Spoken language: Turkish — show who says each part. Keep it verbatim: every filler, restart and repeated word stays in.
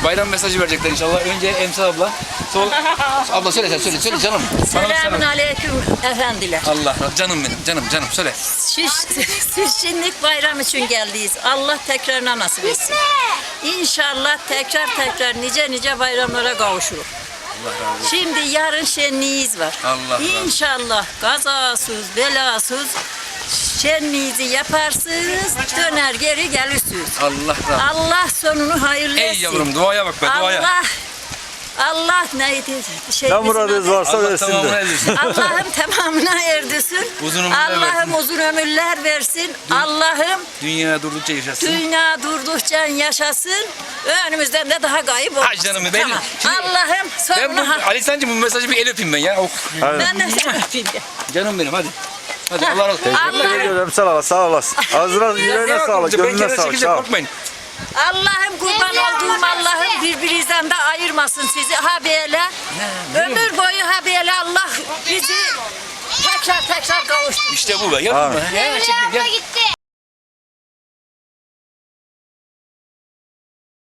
Speaker 1: bayram mesajı verecekler inşallah. Önce Emsal abla. Sol. Abla söyle sen söyle söyle canım. Bana bir
Speaker 2: Selamun
Speaker 1: selam.
Speaker 2: aleyküm efendiler.
Speaker 1: Allah canım benim canım canım söyle.
Speaker 2: Siz, siz şimdi bayram için geldiyiz. Allah tekrarına nasip etsin. İnşallah tekrar tekrar nice nice bayramlara kavuşuruz.
Speaker 1: Allah razı olsun.
Speaker 2: Şimdi yarın şenliğiniz var.
Speaker 1: Allah razı olsun.
Speaker 2: İnşallah kazasız belasız şenliğinizi yaparsınız, döner geri gelirsiniz.
Speaker 1: Allah razı olsun.
Speaker 2: Allah sonunu hayırlı etsin.
Speaker 1: Ey yavrum duaya bak be duaya.
Speaker 2: Allah Allah neydi? Şey,
Speaker 3: Ne muradınız varsa
Speaker 1: Allah
Speaker 3: versin
Speaker 1: tamamını
Speaker 3: de.
Speaker 1: erdirsin.
Speaker 2: Allah'ım tamamına erdirsin.
Speaker 1: Uzun ömürler
Speaker 2: Allah'ım
Speaker 1: versin.
Speaker 2: uzun ömürler versin. Allah'ım
Speaker 1: Dünya durdukça yaşasın.
Speaker 2: dünya durdukça yaşasın. Önümüzden de daha kayıp olmasın.
Speaker 1: Ay canım benim.
Speaker 2: Tamam.
Speaker 1: Şimdi
Speaker 2: Allah'ım
Speaker 1: Ben
Speaker 2: sonunu
Speaker 1: bu
Speaker 2: ha.
Speaker 1: Ali Sancı bu mesajı bir el öpeyim ben ya. Oh.
Speaker 3: Aynen.
Speaker 2: Ben de seni öpeyim de.
Speaker 1: Canım benim hadi. Hadi Allah razı olsun.
Speaker 3: Teşekkür
Speaker 2: Allah-
Speaker 3: ediyorum Emsal abla, sağ olasın. Ağzına, yüreğine sağlık,
Speaker 1: Ben
Speaker 3: gönlüne
Speaker 1: kenara
Speaker 3: sağlık,
Speaker 1: çekileceğim,
Speaker 3: sağ ol.
Speaker 1: korkmayın.
Speaker 2: Allah'ım kurban olduğum Allah'ım birbirinizden de ayırmasın sizi ha böyle. Ömür boyu ha böyle Allah bizi tekrar tekrar kavuştursun.
Speaker 1: İşte bu be. Yapma.
Speaker 3: Amin.
Speaker 1: Ya, çekil, gel.